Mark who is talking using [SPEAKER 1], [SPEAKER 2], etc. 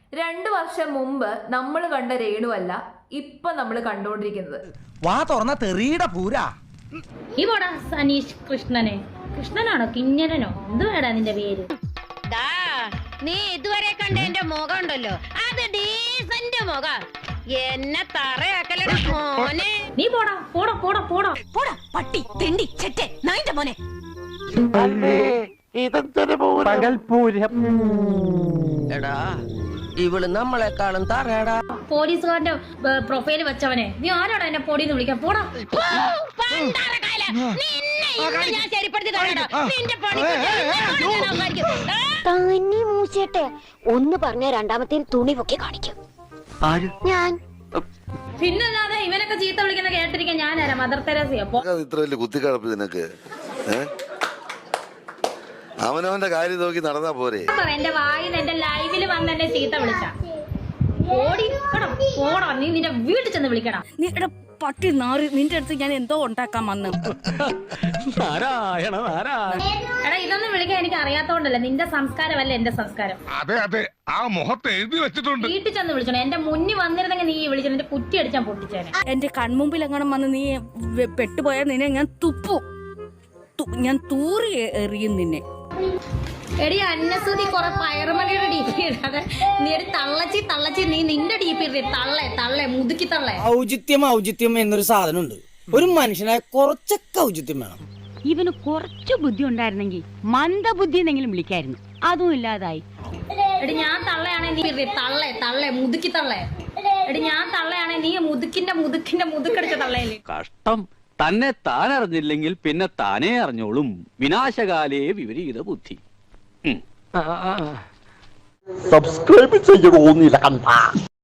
[SPEAKER 1] 2 വർഷം മുമ്പ് നമ്മൾ കണ്ട രേണുവല്ല ഇപ്പൊ നമ്മൾ കണ്ടുകൊണ്ടിരിക്കുന്നത്.
[SPEAKER 2] വാ തുറന്ന തെറിയുടെ പൂരാ.
[SPEAKER 3] ഈ പോടാ സനീഷ് കൃഷ്ണനെ. കൃഷ്ണനാണോ കിഞ്ഞരനോ എന്ത് വേടാ നിന്റെ പേര്?
[SPEAKER 4] നീ ഇതുവരെ കണ്ട എന്റെ മുഖം ഉണ്ടല്ലോ, അത് ഡീസന്റ് മുഖം. എന്നെ തറയാക്കലടാ മോനെ.
[SPEAKER 3] നീ പോടാ പോടാ പോടാ പോടാ
[SPEAKER 4] പോടാ പട്ടി തെണ്ടി ചെറ്റെ നായിന്റെ മോനെ.
[SPEAKER 5] എടാ ഇവള് നമ്മളെക്കാളും തറയടാ.
[SPEAKER 3] പോലീസുകാരന്റെ പ്രൊഫൈല് വെച്ചവനെ നീ ആരാടാ എന്നെ പൊടിന്ന് വിളിക്കാൻ? പോടാ.
[SPEAKER 4] ഞാൻ ശരിപ്പെടുത്തി തരാടാ. നിന്റെ പണി
[SPEAKER 6] തന്നെ മൂച്ചേട്ടെ ഒന്ന് പറഞ്ഞ രണ്ടാമത്തെ തുണി പൊക്കി കാണിക്കും ഞാൻ.
[SPEAKER 3] പിന്നല്ലാതെ ഇവനൊക്കെ ചീത്ത വിളിക്കുന്ന കേട്ടിരിക്കാൻ ഞാനാരാ? മദർ തെരേസയോ?
[SPEAKER 7] ഇത്ര വലിയ കുത്തിക്കടപ്പ് നിനക്ക്? അവനവന്റെ കാര്യം നോക്കി നടന്നാ പോരെ?
[SPEAKER 3] എന്റെ വായിൽ എന്റെ ലൈവില് വന്ന് എന്നെ ചീത്ത വിളിച്ച പോടാ. നീ നിന്റെ വീട്ടിൽ ചെന്ന് വിളിക്കടാ.
[SPEAKER 8] നീ പട്ടി നാറി, നിന്റെ അടുത്ത് ഞാൻ എന്തോ ഉണ്ടാക്കാൻ വന്നു.
[SPEAKER 3] എടാ ഇതൊന്നും വിളിക്കാൻ എനിക്ക് അറിയാത്തോണ്ടല്ല, നിന്റെ സംസ്കാരമല്ല എന്റെ സംസ്കാരം.
[SPEAKER 9] അതെ അതെ, ആ മുഖത്ത് എഴുതി വെച്ചിട്ടുണ്ട്.
[SPEAKER 3] വീട്ടിൽ ചെന്ന് വിളിച്ചോ. എന്റെ മുന്നിൽ വന്നിരുന്നെങ്കിൽ നീ വിളിച്ചു എന്റെ കുറ്റി അടിച്ചാൻ പൊട്ടിച്ചേനെ.
[SPEAKER 8] എന്റെ കൺമുമ്പിൽ എങ്ങനെ വന്ന് നീ പെട്ടുപോയാൽ നിന്നെ ഞാൻ ഞാൻ തൂറി എറിയും നിന്നെ.
[SPEAKER 3] എടി അന്നസൂതി കൊറേ പയറുമണിയുടെ ഡി പി ഇടാതെ നീ ഒരു തള്ളച്ചി നീ നിന്റെ ഡി പി ഇടേ. തള്ളേ മുതുക്കി തള്ളേ.
[SPEAKER 2] ഔചിത്യം എന്നൊരു സാധനമുണ്ട്. ഒരു മനുഷ്യനായ കുറച്ചൊക്കെ ഔചിത്യം വേണം.
[SPEAKER 10] ഇവന് കുറച്ചു ബുദ്ധി ഉണ്ടായിരുന്നെങ്കിൽ മന്ദബുദ്ധി എന്നെങ്കിലും വിളിക്കായിരുന്നു. അതും ഇല്ലാതായി.
[SPEAKER 3] എടി ഞാൻ തള്ളയാണെ നീ തള്ളേ മുതുക്കി തള്ളേ. എടി ഞാൻ തള്ളയാണെ നീ മുതുക്കടിച്ച തള്ളയല്ലേ.
[SPEAKER 11] കഷ്ടം. തന്നെ താൻ അറിഞ്ഞില്ലെങ്കിൽ പിന്നെ താനേ അറിഞ്ഞോളും. വിനാശകാലേ വിപരീത ബുദ്ധി.
[SPEAKER 12] സബ്സ്ക്രൈബ് ചെയ്യണോ നീലകണ്ഠ.